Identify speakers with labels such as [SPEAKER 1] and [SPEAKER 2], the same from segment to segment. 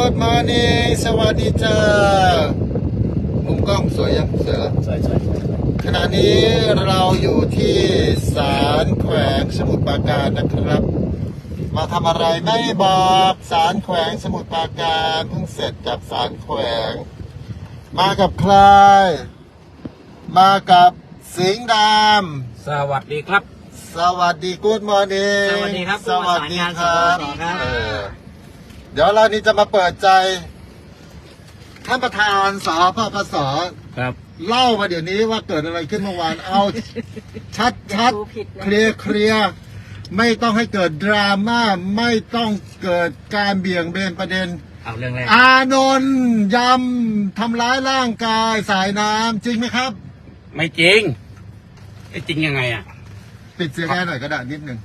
[SPEAKER 1] Good morning สวัสดีจ้ามุมกล้องสวยยังสวยแล้ว
[SPEAKER 2] ใช่
[SPEAKER 1] ขณะนี้เราอยู่ที่ศาลแขวงสมุทรปราการนะครับมาทำอะไรไม่บอกศาลแขวงสมุทรปราการเพิ่งเสร็จจากศาลแขวงมากับใครมากับสิงห์ดำ
[SPEAKER 2] สวัสดีครับ
[SPEAKER 1] สวัสดี Good morning
[SPEAKER 2] สวัสดีครับ
[SPEAKER 1] สวัสดีครับ
[SPEAKER 2] สวัสดีครับ
[SPEAKER 1] เดี๋ยวเรานี่จะมาเปิดใจท่านประธานสพปส
[SPEAKER 2] ครับ
[SPEAKER 1] เล่ามาเดี๋ยวนี้ว่าเกิดอะไรขึ้นเมื่อวานเอาชัดเคลียร์ไม่ต้องให้เกิดดราม่าไม่ต้องเกิดการเบี่ยงเบนประเด็น
[SPEAKER 2] เอาเรื่องแรก
[SPEAKER 1] อานนท์ยำทำร้ายร่างกายสายน้ำจริงไหมครับ
[SPEAKER 2] ไม่จริงจริงยังไงอ่ะ
[SPEAKER 1] ปิดเสียงแค่หน่อยก็ได้นิดนึง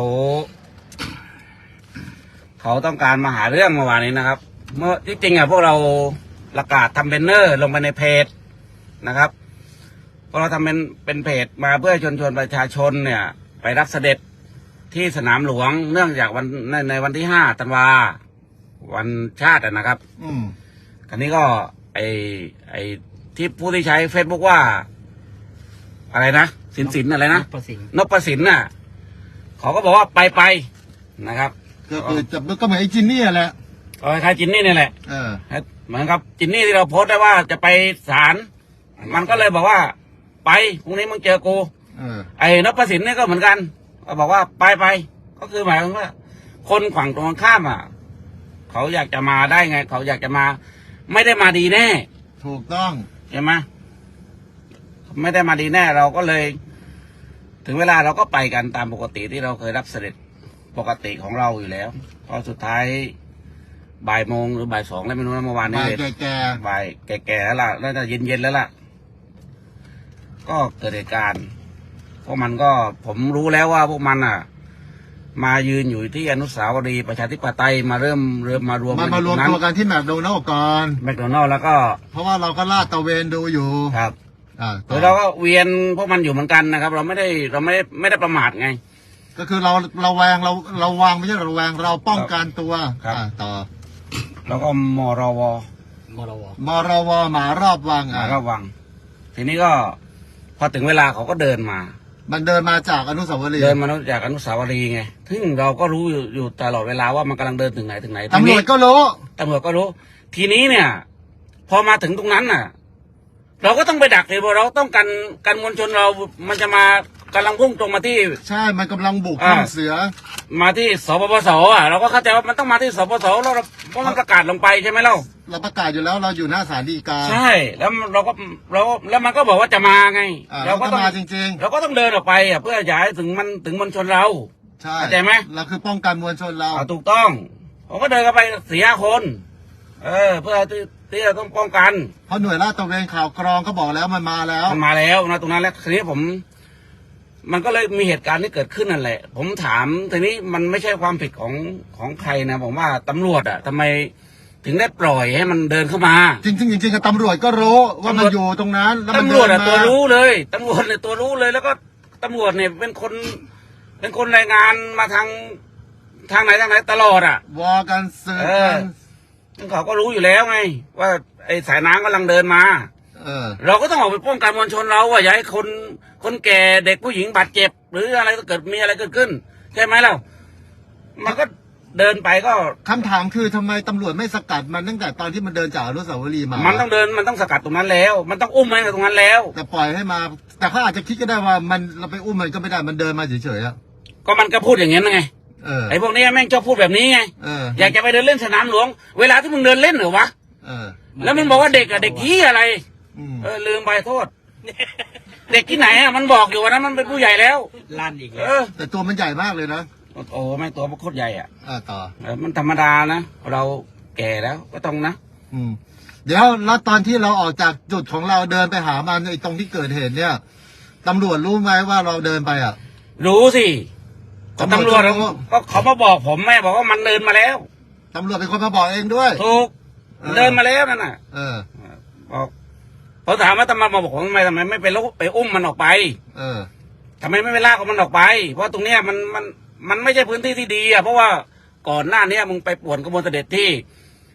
[SPEAKER 2] เขาต้องการมาหาเรื่องเมื่อวานนี้นะครับเมื่อที่จริงอ่ะพวกเราประกาศทำแบนเนอร์ลงไปในเพจนะครับพวกเราทำเป็นเพจมาเพื่อชวนประชาชนเนี่ย ไปรับเสด็จที่สนามหลวงเนื่องจากในวันที่5 ธันวาวันชาตินะครับคราวนี้ก็ไอที่ผู้ที่ใช้เฟซบุ๊กว่าอะไรนะสินอะไรนะนพสินน่ะเขาก็บอกว่าไปนะครับ
[SPEAKER 1] ก็คือก็เหมือนไอ้จินนี่แหละ
[SPEAKER 2] คล้ายจินนี่นี่แหละเหมือนกับจินนี่ที่เราโพสต์ได้ว่าจะไปศาลมันก็เลยบอกว่าไปพรุ่งนี้มึงเจอกูไอ้นพสินนี่ก็เหมือนกันก็บอกว่าไปก็คือหมายถึงว่าคนฝั่งตรงข้ามอ่ะเขาอยากจะมาได้ไงเขาอยากจะมาไม่ได้มาดีแน่
[SPEAKER 1] ถูกต้อง
[SPEAKER 2] ใช่ไหมไม่ได้มาดีแน่เราก็เลยถึงเวลาเราก็ไปกันตามปกติที่เราเคยรับเสด็จปกติของเราอยู่แล้วพอสุดท้ายบ่ายโมงหรือบ่าย2แล้วไม่รู้นะเมื่อวานนี้บ่ายแก่แล้วล่ะแล้วจะเย็นแล้วล่ะก็เกิดเหตุการณ์พวกมันก็ผมรู้แล้วว่าพวกมันอ่ะมายืนอยู่ที่อนุสาวรีย์ประชาธิปไตยมาเริ่มมารวม
[SPEAKER 1] ตัวกันที่แมคโดนัลด์ก่อน
[SPEAKER 2] แมคโดนัลด์แล้วก็
[SPEAKER 1] เพราะว่าเราก็ลาดตะเวนดูอยู่
[SPEAKER 2] ครับเราก็เวียนพวกมันอยู่เหมือนกันนะครับเราไม่ได้ประมาทไง
[SPEAKER 1] ก็คือเราแวงเราวางไม่ใช่เราแวงเราป้องกันตัวต่อ
[SPEAKER 2] แล้วก็มรว
[SPEAKER 1] หมารอบวัง
[SPEAKER 2] ทีนี้ก็พอถึงเวลาเขาก็เดินมา
[SPEAKER 1] มันเดินมาจากอนุสาวรีย์
[SPEAKER 2] ไงซึ่งเราก็รู้อยู่ตลอดเวลาว่ามันกำลังเดินถึงไหน
[SPEAKER 1] ตำรวจก็รู้
[SPEAKER 2] ทีนี้เนี่ยพอมาถึงตรงนั้นน่ะเราก็ต้องไปดักเลยเพราะเราต้องกันมวลชนเรามันจะมากำลังพุ่งตรงมาที่
[SPEAKER 1] ใช่มันกำลังบุกเสือ
[SPEAKER 2] มาที่สปปสเราก็เข้าใจว่ามันต้องมาที่สปปสแล้วเพราะมันประกาศลงไปใช่ไหม
[SPEAKER 1] เราประกาศอยู่แล้วเราอยู่หน้าศาลฎีกา
[SPEAKER 2] ใช่แล้วแล้วมันก็บอกว่าจะมาไง
[SPEAKER 1] เราก็มาจริง
[SPEAKER 2] ๆเราก็ต้องเดินออกไปเพื่อย้ายถึงมวลชนเรา
[SPEAKER 1] ใช่
[SPEAKER 2] เข้าใจไหม
[SPEAKER 1] เราคือป้องกันมวลชนเรา
[SPEAKER 2] ถูกต้องผมก็เดินกันไป4-5 คนเพื่อที่เราต้องป้องกัน
[SPEAKER 1] เพราะหน่วยลาดตระเวนข่าวกรองก็บอกแล้วมันมาแล้ว
[SPEAKER 2] นะตรงนั้นแล้วทีนี้มันก็เลยมีเหตุการณ์ที่เกิดขึ้นนั่นแหละผมถามทีนี้มันไม่ใช่ความผิดของใครนะผมว่าตำรวจทำไมถึงได้ปล่อยให้มันเดินเข้ามา
[SPEAKER 1] จริงตำรวจก็รู้ว่ามันอยู่ตรงนั้นแล้ว
[SPEAKER 2] ตำรวจตัวรู้เลยตำรวจเนี่ยตัวรู้เลยแล้วก็ตำรวจเนี่ยเป็นคนรายงานมาทางไหนตลอด
[SPEAKER 1] วอกันเสือ
[SPEAKER 2] เขาก็รู้อยู่แล้วไงว่าไอ้สายน้ำกำลังเดินมาเราก็ต้องออกไปป้องกันมวลชนเราว่าอย่าให้คนแก่เด็กผู้หญิงบาดเจ็บหรืออะไรเกิดมีอะไรเกิดขึ้นใช่ไหมเรามันก็เดินไปก็
[SPEAKER 1] คำถามคือทำไมตำรวจไม่สกัดมันตั้งแต่ตอนที่มันเดินจากอนุสาวรีย์มา
[SPEAKER 2] มันต้องสกัดตรงนั้นแล้วมันต้องอุ้มมันตรงนั้นแล้ว
[SPEAKER 1] แต่ปล่อยให้มาแต่เขาอาจจะคิดก็ได้ว่าเราไปอุ้มมันก็ไม่ได้มันเดินมาเฉย
[SPEAKER 2] ๆก็มันก็พูดอย่างนี้ไงไอ้พวกนี้แม่งชอบพูดแบบนี้ไงอยากจะไปเดินเล่นสนามหลวงเวลาที่มึงเดินเล่นเหรอวะแล้วมึงบอกว่าเด็กเด็กที่อะไรลืมไปโทษเด็กที่ไหนมันบอกอยู่ว่านั้นมันเป็นผู้ใหญ่แล้ว
[SPEAKER 3] ลั่นอีกแล้ว
[SPEAKER 1] แต่ตัวมันใหญ่มากเลยนะ
[SPEAKER 2] โอ้ไม่ตัวมันโคตรใหญ่
[SPEAKER 1] ต่อ
[SPEAKER 2] มันธรรมดานะเราแก่แล้วก็ต้องนะ
[SPEAKER 1] เดี๋ยวแล้วตอนที่เราออกจากจุดของเราเดินไปหามันไอ้ตรงที่เกิดเหตุเนี่ยตำรวจรู้ไหมว่าเราเดินไป
[SPEAKER 2] รู้สิตำรวจก็เขามาบอกผมแม่บอกว่ามันเดินมาแล้ว
[SPEAKER 1] ตำรวจเป็นคนมาบอกเองด้วย
[SPEAKER 2] ถูกเดินมาแล้วนั่นน่ะบอกเขาถามว่าทำไมมาบอกทำไมไม่ไปอุ้มมันออกไปทำไมไม่ไปลากมันออกไปเพราะตรงเนี้ยมันไม่ใช่พื้นที่ที่ดีเพราะว่าก่อนหน้านี้มึงไปป่วนกระบวนเสด็จที่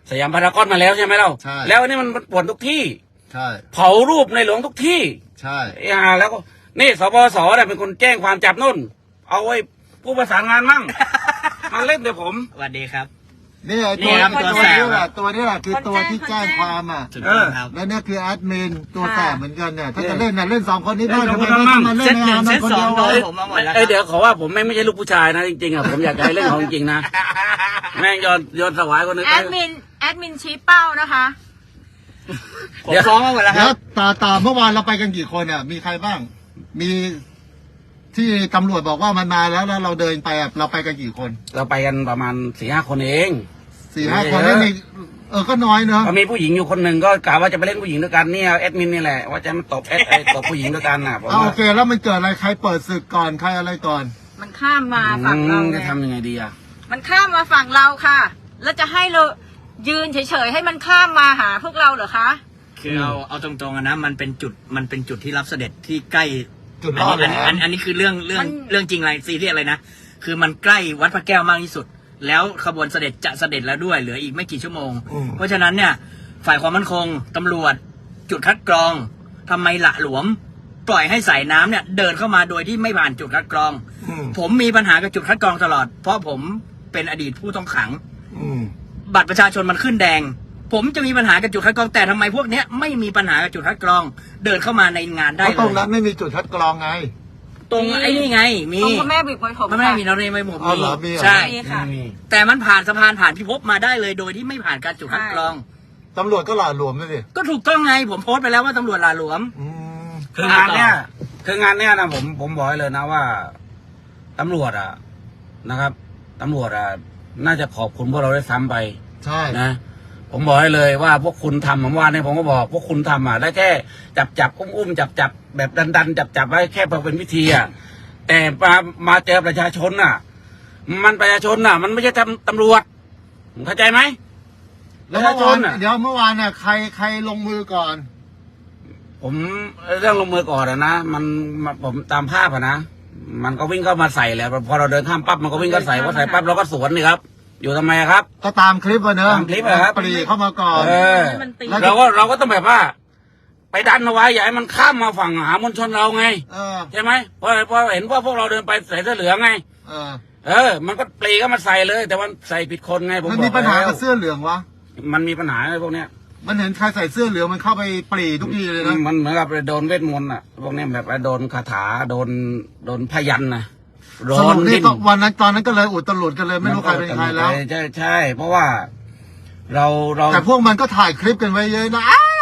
[SPEAKER 2] สยามพารากอนมาแล้วใช่ไหมเรา
[SPEAKER 1] ใช่
[SPEAKER 2] แล้วอันนี้มันป่วนทุกที่
[SPEAKER 1] ใช่
[SPEAKER 2] เผารูปในหลวงทุกที่
[SPEAKER 1] ใช่
[SPEAKER 2] แล้วก็นี่สปสเนี่ยเป็นคนแจ้งความจับนุ่น เอาไว้ผู้ประสานงานมั่ง มาเล่นเดี๋ยวผม
[SPEAKER 3] สวัสดีครับ
[SPEAKER 1] นี่ไอ้
[SPEAKER 3] นี่
[SPEAKER 1] ตัว
[SPEAKER 3] ครับ
[SPEAKER 1] ตัว
[SPEAKER 3] ตัวแสบ
[SPEAKER 1] นี้แหละตัวนี้แหละคือตัวที่แจ้งความอ่ะ
[SPEAKER 3] สุดยอดครับ
[SPEAKER 1] แล้วเนี่ยคือแอดมินตัว
[SPEAKER 4] ค่ะ
[SPEAKER 1] แสบเหมือนกันเนี่ยถ้าจะเล่นน่ะเล่นสองคนนี้ได้
[SPEAKER 2] เล่น
[SPEAKER 1] ทำไม
[SPEAKER 2] สองคน
[SPEAKER 1] ไม่
[SPEAKER 2] มั่ง
[SPEAKER 1] มาเล่น
[SPEAKER 3] เซตหนึ่ง
[SPEAKER 1] ใน
[SPEAKER 3] เซต
[SPEAKER 1] คน
[SPEAKER 3] สอ
[SPEAKER 1] เดี
[SPEAKER 3] ง
[SPEAKER 1] ยว
[SPEAKER 3] โด
[SPEAKER 1] เล
[SPEAKER 3] น
[SPEAKER 1] ย
[SPEAKER 3] ผมมาหมดแล้ว
[SPEAKER 2] เดี๋ยวขอว่าผมไม่ใช่ลูกผู้ชายนะจริงๆอ่ะผมอยากจะให้เล่นของจริงนะ แม่งโยนสวายคนนึง
[SPEAKER 4] แอดมินชี้เป้านะคะ
[SPEAKER 3] ผมฟ้องมาหมดแล้วค
[SPEAKER 1] แล้
[SPEAKER 3] รั
[SPEAKER 1] ว
[SPEAKER 3] บ
[SPEAKER 1] ตาเมื่อวานเราไปกันกี่คนอ่ะมีใครบ้าง มีที่ตำรวจบอกว่ามันมาแล้วเราเดินไปอ่ะเราไปกันกี่คน
[SPEAKER 2] เราไปกันประมาณ 4-5 คนเอง
[SPEAKER 1] 4-5 คน
[SPEAKER 2] เยอะ
[SPEAKER 1] ไม่มีก็น้อยเนอะ
[SPEAKER 2] ก็มีผู้หญิงอยู่คนหนึ่งก็กะว่าจะไปเล่นผู้หญิงด้วยกันเนี่ยแอดมินนี่แหละว่าจะมาตบตบผู้หญิงด้วยกันน่ะผม
[SPEAKER 1] เอา
[SPEAKER 2] ว่า
[SPEAKER 1] โอเคแล้วมันเกิดอะไรใครเปิดศึกก่อนใครอะไรก่อน
[SPEAKER 4] มันข้ามมาฝั่งเรา
[SPEAKER 2] จะ
[SPEAKER 4] เนี่ย
[SPEAKER 2] ทำยังไงดีอ่ะ
[SPEAKER 4] มันข้ามมาฝั่งเราค่ะ แล้วจะให้เรายืนเฉยๆให้มันข้ามมาหาพวกเราเหรอคะ
[SPEAKER 3] คือเอาตรงๆอะนะมันเป็นจุดที่รับเสด็จที่ใกล้
[SPEAKER 1] จุดรอดแหลม
[SPEAKER 3] อันนี้คือเรื่อง
[SPEAKER 4] มัน
[SPEAKER 3] เรื่องจริงอะไรซีเรียสอะไรนะคือมันใกล้วัดพระแก้วมากที่สุด แล้วขบวนเสด็จจะเสด็จแล้วด้วยเหลืออีกไม่กี่ชั่วโมง เพราะฉะนั้นเนี่ยฝ่ายความมั่นคงตำรวจจุดคัดกรองทำไมหละหลวม ปล่อยให้สายน้ำเนี่ยเดินเข้ามาโดยที่ไม่ผ่านจุดคัดกรอง
[SPEAKER 1] อืม
[SPEAKER 3] ผมมีปัญหากับจุดคัดกรองตลอด เพราะผมเป็นอดีตผู้ต้องขัง
[SPEAKER 1] อืม
[SPEAKER 3] บัตรประชาชนมันขึ้นแดง ผมจะมีปัญหากับจุดคัดกรองแต่ทำไมพวกเนี้ยไม่มีปัญหากับจุดคัดกรอง เดินเข้ามาในงานได้
[SPEAKER 1] เพราะ
[SPEAKER 3] เล
[SPEAKER 1] ตรงนั้
[SPEAKER 3] ย
[SPEAKER 1] นไม่มีจุดคัดกรองไง
[SPEAKER 3] ตรงไอ้นี่ไงมี
[SPEAKER 4] ตรงพระแม่บิกมวยผม
[SPEAKER 3] ไม่มีเราในไม่ผม
[SPEAKER 1] อ๋อเหรอมีเหรอ
[SPEAKER 3] ใช่
[SPEAKER 4] นี่ค่ะ
[SPEAKER 3] แต่มันผ่านสะพานผ่านพิภพมาได้เลยโดยที่ไม่ผ่านการจุดคัดกรอง
[SPEAKER 1] ตำรวจก็หล่าหลวมเลยสิ
[SPEAKER 3] ก็ถูกต้องไงผมโพสต์ไปแล้วว่าตำรวจหลาหลวม
[SPEAKER 1] อืม
[SPEAKER 2] คืองานเนี้ยนะผมบอกให้เลยนะว่าตำรวจอ่ะนะครับตำรวจอ่ะน่าจะขอบคุณพวกเราได้ซ้ำไป
[SPEAKER 1] ใช่
[SPEAKER 2] นะผมบอกให้เลยว่าพวกคุณทำผมว่าเนี่ยผมก็บอกพวกคุณทำอ่ะได้แค่จับอุ้มจับแบบดันจับไว้แค่พอเป็นวิธีอ่ะแต่มาเจอประชาชนอ่ะ มันประชาชนอ่ะ มันไม่ใช่ตำรวจเข้าใจไหม
[SPEAKER 1] แล้วเมื่อวาน
[SPEAKER 2] ประชาชนน่ะ
[SPEAKER 1] เดี๋ยวเมื่อวานน่ะใครลงมือก่อน
[SPEAKER 2] ผมเรื่องลงมือก่อนนะผมตามภาพอะนะมันก็วิ่งเข้ามาใส่แหละพอเราเดินข้ามปั๊บมันก็วิ่งเข้าใส่พอใส่ปั๊บเราก็สวนนี่ครับ อยู่ทำไมอะครับ
[SPEAKER 1] ก็ตามคลิปอะเนอะ
[SPEAKER 2] ตามคลิปอะครับ
[SPEAKER 1] ปรีเข้ามาก่อน
[SPEAKER 2] เออ
[SPEAKER 4] มันตี
[SPEAKER 1] แล้ว
[SPEAKER 2] เราก็ต้องแบบว่า ไปดันเอาไว้อย่าให้มันข้ามมาฝั่งหามวลชนเราไง
[SPEAKER 1] เออ
[SPEAKER 2] ใช่ไหมเพราะเห็นว่าพวกเราเดินไปใส่เสื้อเหลืองไง
[SPEAKER 1] เออ
[SPEAKER 2] มันก็ปรีก็มาใส่เลย แต่มันใส่ผิดคนไงผม
[SPEAKER 1] มัน
[SPEAKER 2] บ
[SPEAKER 1] มี
[SPEAKER 2] อก
[SPEAKER 1] ปัญหา
[SPEAKER 2] แล้ว
[SPEAKER 1] กับเสื้อเหลืองวะ
[SPEAKER 2] มันมีปัญหาไอ้พวกเนี้ย
[SPEAKER 1] มันเห็นใครใส่เสื้อเหลืองมันเข้าไปปรีทุกทีเลยนะ
[SPEAKER 2] มันเหมือนกับโดนเวทมนต์อ่ะพวกเนี้ยแบบโดนคาถาโดนพยันนะโด
[SPEAKER 1] สรุ
[SPEAKER 2] น
[SPEAKER 1] ปนี่
[SPEAKER 2] ดิ้น
[SPEAKER 1] ก็วันนั้นตอนนั้นก็เลยอุตลุดกันเลยไม่รู้ใครเป็นใครแล้ว
[SPEAKER 2] ใช่เพราะว่าเรา
[SPEAKER 1] แต่พวกมันก็ถ่ายคลิปกันไว้เยอะนะ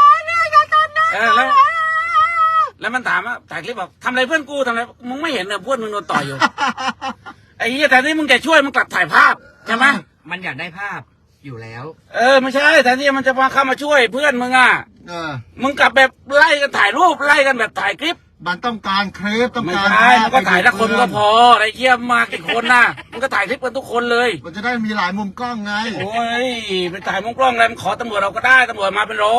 [SPEAKER 2] แล้วมันถามว่าถ่ายคลิปบอกทำอะไรเพื่อนกูทำอะไรมึงไม่เห็นเหรอเพื่อนมึงโดนต่อยอยู่ ไอ้เหี้ยแต่ที่มึงจะช่วยมึงกลับถ่ายภาพใช่ไหม
[SPEAKER 3] มันอยากได้ภาพอยู่แล้ว
[SPEAKER 2] ไม่ใช่แต่ที่มันจะมาเข้ามาช่วยเพื่อนมึงอ่ะ
[SPEAKER 1] เออ
[SPEAKER 2] มึงกลับแบบไล่กันถ่ายรูปไล่กันแบบถ่ายคลิป
[SPEAKER 1] มันต้องการคลิปต้อง
[SPEAKER 2] ไม่
[SPEAKER 1] การ
[SPEAKER 2] ใช่มันก็ถ่ายละคน
[SPEAKER 1] เพื่อ
[SPEAKER 2] ก็พอไอ้เหี้ยมากี่คนน่ะมันก็ถ่ายคลิปกันทุกคนเลย
[SPEAKER 1] มันจะได้มีหลายมุมกล้องไง
[SPEAKER 2] โอ้ยไปถ่ายมุมกล้องอะไรมันขอตำรวจเราก็ได้ตำรวจมาเป็นร้อย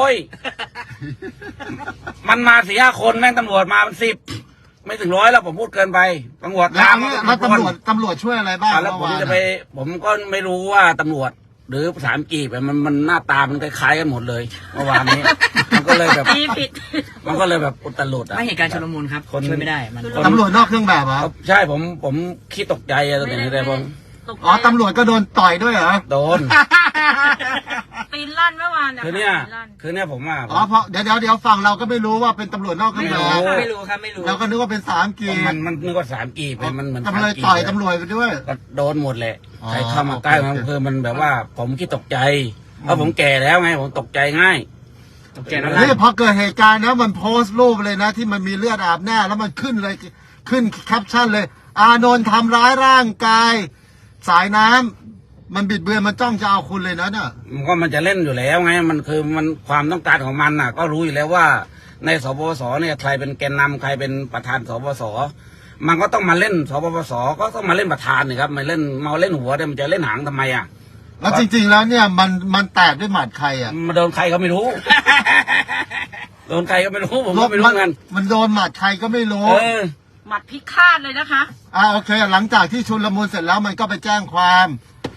[SPEAKER 2] มันมา4-5 คนแม่งตำรวจมาเป็น10 ไม่ถึง100แล้วผมพูดเกินไปตำรวจ
[SPEAKER 1] แล้ว
[SPEAKER 2] ตาม
[SPEAKER 1] แล้วตำรวจช่วยอะไรบ้าง
[SPEAKER 2] แล้วผม
[SPEAKER 1] เมื่อวาน
[SPEAKER 2] จะไป ผมก็ไม่รู้ว่าตำรวจ หรือภาษาอังกฤษมันหน้าตามันคล้ายๆกันหมดเลยเมื่อวานนี้ มันก็เลยแบบ
[SPEAKER 4] ตีผิด
[SPEAKER 2] มันก็เลยแบบอุตลุดอ่ะ
[SPEAKER 3] ไม่เหตุการณ์ชุลมุนครับ
[SPEAKER 2] คน
[SPEAKER 3] ช่วยไม่ได้มัน
[SPEAKER 1] ตำรวจนอกเครื่องแบบเหรอ
[SPEAKER 2] ใช่ผมขี้ตกใจอะตอนนี้แต่ผม
[SPEAKER 4] ตกใจ
[SPEAKER 1] อ๋อตำรวจก็โดนต่อยด้วยเหรอ
[SPEAKER 2] โดน
[SPEAKER 4] ตีนลั่นเมื่อวาน
[SPEAKER 2] คือเนี่ย
[SPEAKER 4] ตีลั่น
[SPEAKER 2] คือเนี่ยผมว่า
[SPEAKER 1] อ๋อเพราะเดี๋ยวฝั่งเราก็ไม่รู้ว่าเป็นตำรวจนอกเครื่องแบบ
[SPEAKER 3] ไม่รู้ครับไม่รู้
[SPEAKER 1] เราก็นึกว่าเป็นสามกี
[SPEAKER 2] มันนึกว่า3 กีบมันเหมือน
[SPEAKER 1] ตำรวจต่อยตำรวจไปด้วย
[SPEAKER 2] ก็โดนหมดแหละ
[SPEAKER 1] อ๋อ
[SPEAKER 2] ใครเข้ามาใกล้มัน
[SPEAKER 1] โอเค
[SPEAKER 2] คือมันแบบว่า ผมขี้ตกใจเพราะผมแก่แล้วไงผมตกใจง่าย
[SPEAKER 3] ตกใจแล้ว
[SPEAKER 1] นี่พอเกิดเหตุการณ์นะมันโพสต์รูปเลยนะ ที่มันมีเลือดอาบหน้าแล้วมันขึ้นเลยขึ้นแคปชั่นเลย อานนท์ทำร้ายร่างกาย สายน้ำมันบิดเบือนมันจ้องจะเอาคุณเลยนะน่ะ
[SPEAKER 2] มันจะเล่นอยู่แล้วไงมันคือมันความต้องการของมันน่ะ ก็รู้อยู่แล้วว่าในสปปสเนี่ยใครเป็นแกนนำใครเป็นประธานสปปสมันก็ต้องมาเล่นสปปสก็ต้องมาเล่นประธานนี่ครับมาเล่นหัวเนี่ยมันจะเล่นหางทำไมอ่ะ
[SPEAKER 1] แล้วจริง ๆ แล้วเนี่ยมันแตกด้วยหมัดใครอ่ะ
[SPEAKER 2] มาโดนใครก็ไม่รู้ โดนใครก็ไม่รู้ผมก็ไม่รู้กัน
[SPEAKER 1] มันโดนหมัดใครก็ไม่รู้
[SPEAKER 4] หมัดพิฆาตเลยนะคะ
[SPEAKER 1] โอเค หลังจากที่ชุลมุนเสร็จแล้วมันก็ไปแจ้งความ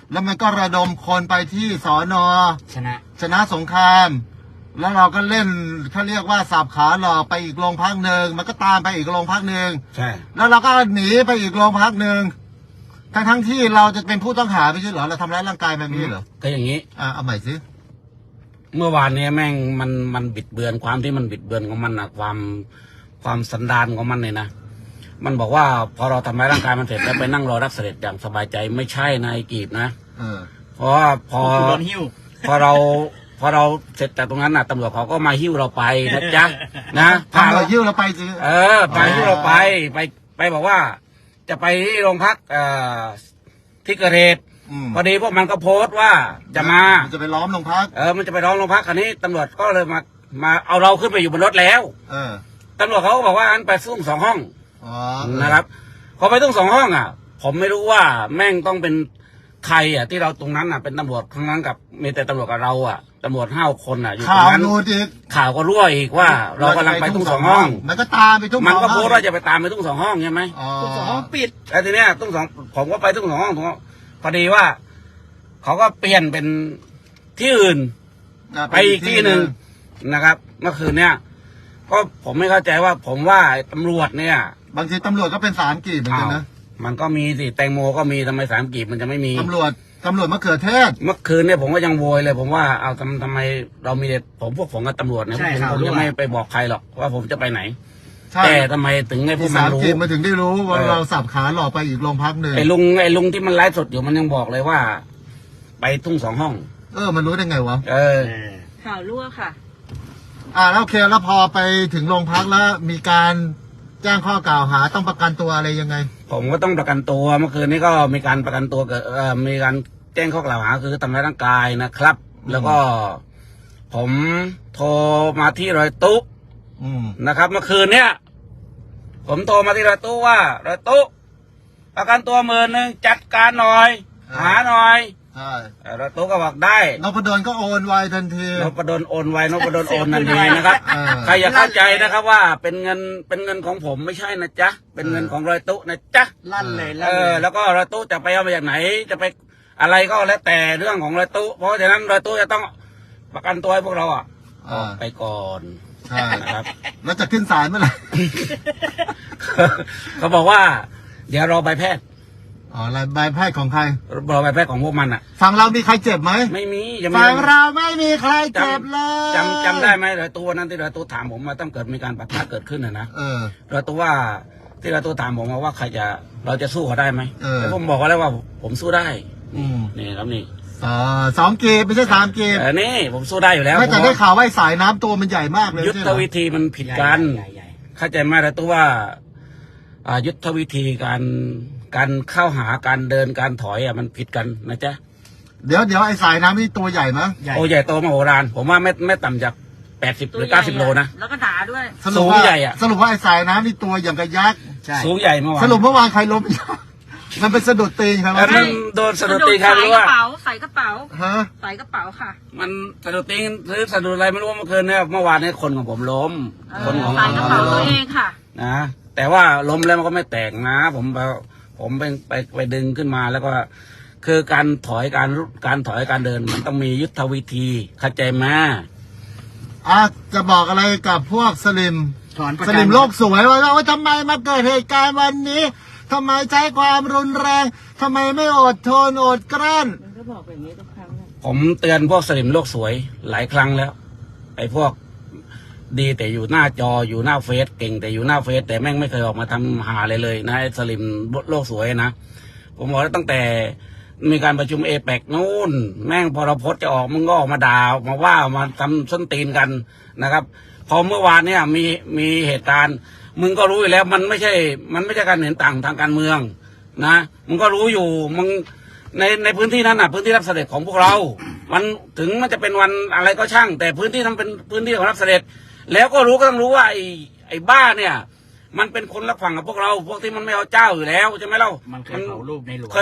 [SPEAKER 1] แล้วมันก็ระดมคนไปที่สอนอ
[SPEAKER 3] ชนะ
[SPEAKER 1] สงคราม แล้วเราก็เล่นเขาเรียกว่าสับขาหลอกไปอีกโรงพักหนึ่งมันก็ตามไปอีกโรงพักหนึ่ง
[SPEAKER 2] ใช่
[SPEAKER 1] แล้วเราก็หนีไปอีกโรงพักหนึ่งทั้งที่เราจะเป็นผู้ต้องหาไม่ใช่เหรอเราทำร้ายร่างกายแบบนี้เหรอ
[SPEAKER 2] ก็อย่างนี้
[SPEAKER 1] เอาใหม่สิ
[SPEAKER 2] เมื่อวานเนี้แม่งมันบิดเบือนความที่มันบิดเบือนของมันนะความสันดานของมันเนี่ยนะมันบอกว่าพอเราทำร้ายร่างกายมันเสร็จแล้วไปนั่งรอรับเสด็จอย่างสบายใจไม่ใช่นะไอ้กีบนะ เพราะว่าพอ
[SPEAKER 3] โดนหิ้ว
[SPEAKER 2] พอเราเสร็จจากตรงนั้นน่ะตำรวจเขาก็มาหิ้วเราไปนะจ๊ะนะ
[SPEAKER 1] พาเรายิ้วเราไปสิ
[SPEAKER 2] พาหิ้วเราไปบอกว่า จะไปที่โรงพักที่เกิดเหตุพอดีพวกมันก็โพสต์ว่าจะมา
[SPEAKER 1] จะไปล้อมโรงพัก
[SPEAKER 2] มันจะไปร้องโรงพักคันนี้ตำรวจก็เลยมาเอาเราขึ้นไปอยู่บนรถแล้ว ตำรวจเขาก็บอกว่าอันไปซุ้ม2 ห้องนะครับพอไปซุ้ม2 ห้องผมไม่รู้ว่าแม่งต้องเป็นใครที่เราตรงนั้นเป็นตำรวจทั้งนั้นกับมีแต่ตำรวจกับเราตำรวจ5 คนอยู่ตรงนั้น ข่าวก็รั่วอีกว่าเรากำลังไปซุ้ม2 ห้อง
[SPEAKER 1] มันก็ตามไปซุ้ม
[SPEAKER 2] มันก็โพสต์ว่าจะไปตามไปซุ้ม2 ห้องใช่ไหม
[SPEAKER 3] ซุ้ม2 ห้องปิด
[SPEAKER 2] แล้วทีเนี้ยซุ้ม2ผมก็ไปซุ้ม2 ห้องพอดีว่าเขาก็เปลี่ยนเป็นที่อื่นไปอีกที่หนึ่งนะครับเมื่อคืนเนี้ยก็ผมไม่เข้าใจว่าผมว่าตำรวจเนี่ย
[SPEAKER 1] บางทีตำรวจก็เป็น3 กีบเหมือนกันนะ
[SPEAKER 2] มันก็มีสิแตงโมก็มีทำไม3 กีบมันจะไม่มี
[SPEAKER 1] ตำรวจมะเขือเทศ
[SPEAKER 2] เมื่อคืนเนี่ยผมก็ยังโวยเลยผมว่าเอาทำไมเรามีแต่พวกผมกับตำรวจเนี่ยผมจะไม่ไปบอกใครหรอกว่าผมจะไปไหนแต่ทำไมถึงไอ้พวกมันรู้
[SPEAKER 1] มาถึงได้รู้ว่าเราสับขาหลอกไปอีกโรงพักหนึ่ง
[SPEAKER 2] ไอ้ลุงที่มันไลฟ์สดอยู่มันยังบอกเลยว่า ไปทุ่ง2 ห้อง
[SPEAKER 1] มันรู้ได้ไงวะ
[SPEAKER 4] ข่าวรั่วค่ะ
[SPEAKER 1] แล้วโอเคแล้วพอไปถึงโรงพักแล้วมีการแจ้งข้อกล่าวหาต้องประกันตัวอะไรยังไง
[SPEAKER 2] ผมก็ต้องประกันตัวเมื่อคืนนี้ก็มีการประกันตัวเกิดมีการแจ้งข้อกล่าวหาคือทำร้ายร่างกายนะครับแล้วก็ผมโทรมาที่รอยตุ๊นะครับเมื่อคืนเนี้ยผมโทรมาที่รอยตุ๊ว่ารอยตุ๊ประกันตัว10,000จัดการหน่อยหาหน่อยรอยตุ๊ก็บอกได้
[SPEAKER 1] นพดลก็โอนไวทันที
[SPEAKER 2] นพดลโอนไวนพดลโอนทันทีนะครับใครอย่าเข้าใจนะครับว่าเป็นเงินของผมไม่ใช่นะจ๊ะเป็นเงินของรอยตุ๊นะจ๊ะ
[SPEAKER 3] ลั่นเลย
[SPEAKER 2] แล้วก็รอยตุ๊จะไปเอามาจากไหนจะไปอะไรก็แล้วแต่เรื่องของรอยตุ๊เพราะฉะนั้นรอยตุ๊จะต้องประกันตัวให้พวกเราออกไปก่อน
[SPEAKER 1] ใช่
[SPEAKER 2] นะครับ
[SPEAKER 1] แล้วจะขึ้นศาลเมื่อไหร่
[SPEAKER 2] เขาบอกว่าเดี๋ยวรอใบแพทย์
[SPEAKER 1] ใบแพทย์ของใคร
[SPEAKER 2] รอใบแพทย์ของพวกมัน
[SPEAKER 1] ฝั่งเรามีใครเจ็บไหม
[SPEAKER 2] ไม่มี
[SPEAKER 1] ฝั่งเราไม่มีใครเจ็บเลย
[SPEAKER 2] จำได้ไหมรอยตุ๊นั้นที่รอยตุ๊ถามผมมาต้องเกิดมีการปะทะเกิดขึ้นนะรอยตุ๊ว่าที่รอยตุ๊ถามผมว่าเราจะสู้เขาได้ไหมแล้วผมบอกแล้วว่าผมสู้ได้นี่ครับนี่
[SPEAKER 1] 2 กีบไม่ใช่3 กีบ
[SPEAKER 2] นี่ผมสู้ได้อยู่แล้ว
[SPEAKER 1] ไม่แต่ได้ข่าวว่าสายน้ำตัวมันใหญ่มากเลย
[SPEAKER 2] ยุทธวิธีมันผิดกันเข้าใจไหมรอยตุ๊ว่ายุทธวิธีการเข้าหาการเดินการถอยมันผิดกันนะจ๊ะ
[SPEAKER 1] เดี๋ยวไอ้สายน้ำนี่ตัวใหญ่ไหม
[SPEAKER 2] โอ้ใหญ่โตมโหฬารผมว่าไม่ต่ำจาก80 หรือ 90 โลนะ
[SPEAKER 4] แล้วก็หนาด้วย
[SPEAKER 2] สูงใหญ่
[SPEAKER 1] สรุปว่าไอ้สายน้ำนี่ตัวอย่างกับยักษ์
[SPEAKER 2] สูงใหญ่เมื่อวาน
[SPEAKER 1] สรุปเมื่อวานใครล้มมันเป็นสะดุดตีนครับ
[SPEAKER 2] มันโดนสะดุดตีนครับรู้ว่า
[SPEAKER 4] ใส่กระเป๋าใส่กระเป๋าค่ะ
[SPEAKER 2] มันสะดุดตีนหรือสะดุดอะไรไม่รู้เมื่อคืนเนี่ยเมื่อวานนี้คนของผมล้มคนของ
[SPEAKER 4] ใส่กระเป๋าตัวเองค่ะ
[SPEAKER 2] นะแต่ว่าล้มแล้วมันก็ไม่แตกนะผมไปดึงขึ้นมาแล้วก็คือการถอยการเดินมันต้องมียุทธวิธีเข้าใจไหม
[SPEAKER 1] จะบอกอะไรกับพวกสลิมโลกสวยว่าทำไมมาเกิดเหตุการณ์วันนี้ทำไมใช้ความรุนแรงทำไมไม่อดทนอดกลั้น
[SPEAKER 4] มันก็บอกแบบนี้ทุกครั้ง
[SPEAKER 2] ผมเตือนพวกสลิมโลกสวยหลายครั้งแล้วไอ้พวกดีแต่อยู่หน้าจออยู่หน้าเฟซเก่งแต่อยู่หน้าเฟซแต่แม่งไม่เคยออกมาทำหาเลยนะไอ้สลิมโลกสวยนะผมบอกแล้วตั้งแต่มีการประชุมเอเปกนู่นแม่งพอเราโพสจะออกมึงก็ออกมาด่ามาว่ามาทำส้นตีนกันนะครับพอเมื่อวานเนี่ยมีเหตุการณ์มึงก็รู้อยู่แล้วมันไม่ใช่การเห็นต่างทางการเมืองนะมึงก็รู้อยู่มึงในพื้นที่นั้นพื้นที่รับเสด็จของพวกเรามันถึงมันจะเป็นวันอะไรก็ช่างแต่พื้นที่นั้นเป็นพื้นที่ของรับเสด็จแล้วก็ต้องรู้ว่าไอ้บ้าเนี่ยมันเป็นคนรักฝั่งกับพวกเราพวกที่มันไม่เอาเจ้าอยู่แล้วใช่ไหม
[SPEAKER 3] มันเคยเผารูปในหลวง
[SPEAKER 2] เคย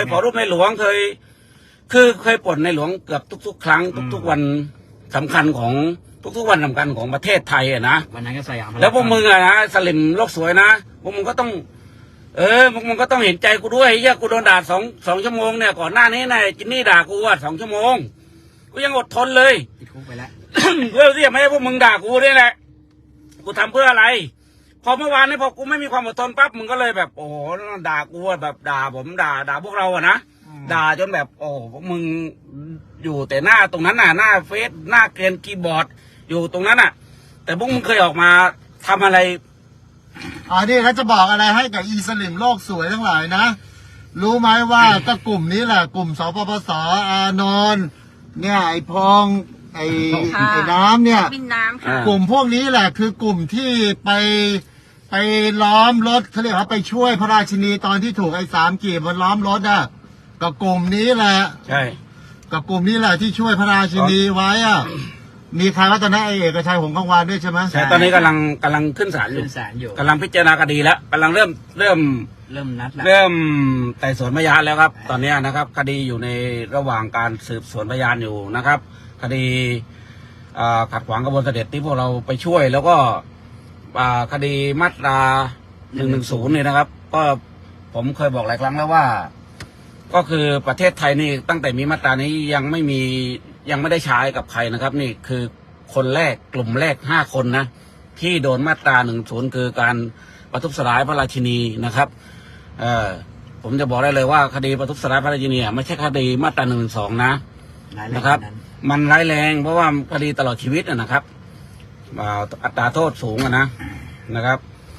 [SPEAKER 2] ป่นในหลวงเกือบทุกๆครั้งทุกๆวันสำคัญของทุกๆวันสำคัญของประเทศไทยนะ
[SPEAKER 3] วันนั้นก็สยาม
[SPEAKER 2] แล้วพวกมึงนะสลิมโลกสวยนะพวกมึงก็ต้องมึงก็ต้องเห็นใจกูด้วยเหี้ยกูโดนด่าสองชั่วโมงเนี่ยก่อนหน้านี้นายจินนี่ด่ากูว่า2 ชั่วโมงกูยังอดทนเลย
[SPEAKER 3] ติดคุกไปแล้ว
[SPEAKER 2] เพื่อที่จะไม่ให้พวกมึงด่ากูนี่แหละกูทำเพื่ออะไรพอเมื่อวานนี้พอกูไม่มีความอดทนปั๊บมึงก็เลยแบบโอ้โหด่ากูแบบด่าผมด่าพวกเราอะนะด่าจนแบบโอ้พวกมึงอยู่แต่หน้าตรงนั้นน่ะหน้าเฟซหน้าเกรียนคีย์บอร์ดอยู่ตรงนั้นน่ะ แต่พวกมึงเคยออกมาทำอะไร
[SPEAKER 1] นี่เขาจะบอกอะไรให้กับอีสลิมโลกสวยทั้งหลายนะ รู้ไหมว่าก็กลุ่มนี้แหละกลุ่มสปปสอานนท์เนี่ยไอพองไอน้ำเนี่ย
[SPEAKER 4] บินน้ำค่ะ
[SPEAKER 1] กลุ่มพวกนี้แหละคือกลุ่มที่ไปล้อมรถเขาเรียกว่าไปช่วยพระราชินีตอนที่ถูกไอ้3 กีบมันล้อมรถอ่ะกับกลุ่มนี้แหละ
[SPEAKER 2] ใช่
[SPEAKER 1] กับกลุ่มนี้แหละที่ช่วยพระราชินีไว้อ่ะมีใครว่าตอนนั้นไอ้เอกชัยหงส์กังวานด้วยใช่ไหม
[SPEAKER 2] ใช่ตอนนี้กำลังขึ้นศาลอยู่
[SPEAKER 3] ขึ้นศาลอยู่
[SPEAKER 2] กำลังพิจารณาคดีแล้วกำลังเริ่ม
[SPEAKER 3] เริ่มนัดแล้ว
[SPEAKER 2] เริ่มไต่สวนพยานแล้วครับ ตอนนี้นะครับ คดีอยู่ในระหว่างการสืบสวนพยานอยู่นะครับ คดีขัดขวางกระบวนเสด็จที่พวกเราไปช่วย แล้วก็คดีมาตรา110เนี่ยนะครับ ก็ผมเคยบอกหลายครั้งแล้วว่า ก็คือประเทศไทยนี่ตั้งแต่มีมาตรานี้ยังไม่ได้ใช้กับใครนะครับ นี่คือคนแรกกลุ่มแรก5 คนนะที่โดนมาตรา110คือการประทุษร้ายพระราชินีนะครับผมจะบอกได้เลยว่าคดีประทุษร้ายพระราชินีไม่ใช่คดีมาตรา112นะนะครับ มันร้ายแรงเพราะว่าคดีตลอดชีวิตนะครับอัตราโทษสูงนะครับ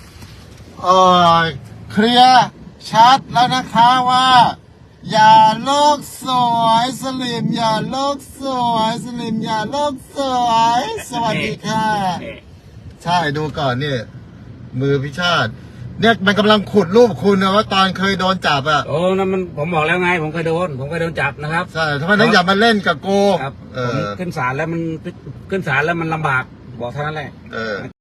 [SPEAKER 1] เคลียร์ชัดแล้วนะคะว่า อย่าโลกสวยสลิมอย่าโลกสวยสลิมอย่าโลกสวยสวัสดีค่ะ ใช่ดูก่อนนี่มือพิชาติเนี่ยมันกำลังขุดรูปคุณนะว่าตอนเคยโดนจับอ่ะ
[SPEAKER 2] โอ้นั่นมันผมบอกแล้วไงผมเคยโดนจับนะครับ
[SPEAKER 1] ใช่ทำไมต้องอย่ามาเล่นกับกู
[SPEAKER 2] ครับผมขึ้นศาลแล้วมันลำบากบอกเท่านั้นแหละ